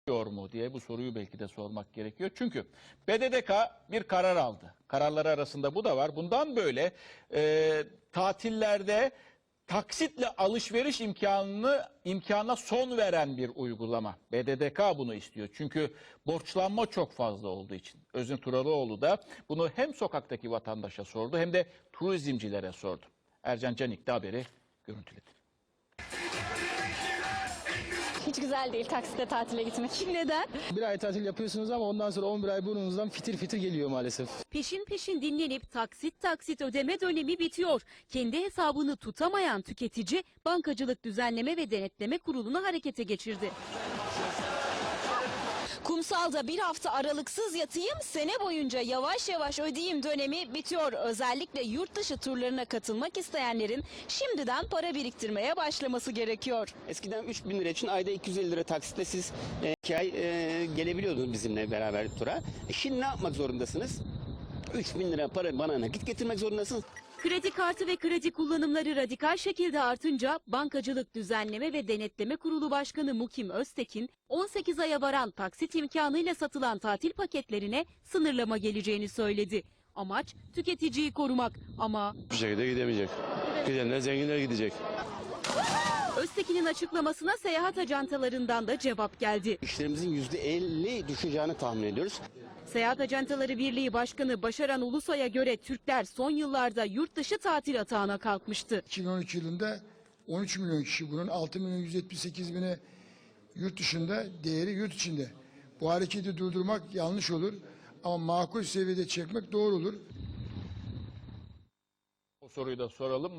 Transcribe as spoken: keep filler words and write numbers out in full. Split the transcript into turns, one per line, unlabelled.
mu diye bu soruyu belki de sormak gerekiyor. Çünkü B D D K bir karar aldı. Kararları arasında bu da var. Bundan böyle e, tatillerde taksitle alışveriş imkanını imkanına son veren bir uygulama. B D D K bunu istiyor. Çünkü borçlanma çok fazla olduğu için. Özün Turalıoğlu da bunu hem sokaktaki vatandaşa sordu hem de turizmcilere sordu. Ercan Canik de haberi görüntüledi.
Hiç güzel değil taksitle tatile gitmek. Neden?
Bir ay tatil yapıyorsunuz ama ondan sonra on bir ay burnunuzdan fitir fitir geliyor maalesef.
Peşin peşin dinlenip taksit taksit ödeme dönemi bitiyor. Kendi hesabını tutamayan tüketici Bankacılık Düzenleme ve Denetleme Kurulu'nu harekete geçirdi.
Kumsalda bir hafta aralıksız yatayım, sene boyunca yavaş yavaş ödeyeyim dönemi bitiyor. Özellikle yurt dışı turlarına katılmak isteyenlerin şimdiden para biriktirmeye başlaması gerekiyor.
Eskiden üç bin lira için ayda iki yüz elli lira taksitle siz e, iki ay e, gelebiliyordunuz bizimle beraber tura. E, şimdi ne yapmak zorundasınız? üç bin lira para bana nakit getirmek zorundasınız.
Kredi kartı ve kredi kullanımları radikal şekilde artınca Bankacılık Düzenleme ve Denetleme Kurulu Başkanı Mukim Öztekin on sekiz aya varan taksit imkanıyla satılan tatil paketlerine sınırlama geleceğini söyledi. Amaç tüketiciyi korumak ama
Bir şekilde gidemeyecek. Gidenler zenginler gidecek.
Öztekin'in açıklamasına seyahat ajantalarından da cevap geldi.
İşlerimizin yüzde elli düşeceğini tahmin ediyoruz.
Seyahat Ajantaları Birliği Başkanı Başaran Ulusoy'a göre Türkler son yıllarda yurt dışı tatil atağına kalkmıştı.
iki bin on üç yılında on üç milyon kişi, bunun altı milyon yüz yetmiş sekiz bini yurt dışında, değeri yurt içinde. Bu hareketi durdurmak yanlış olur ama makul seviyede çekmek doğru olur.
O soruyu da soralım.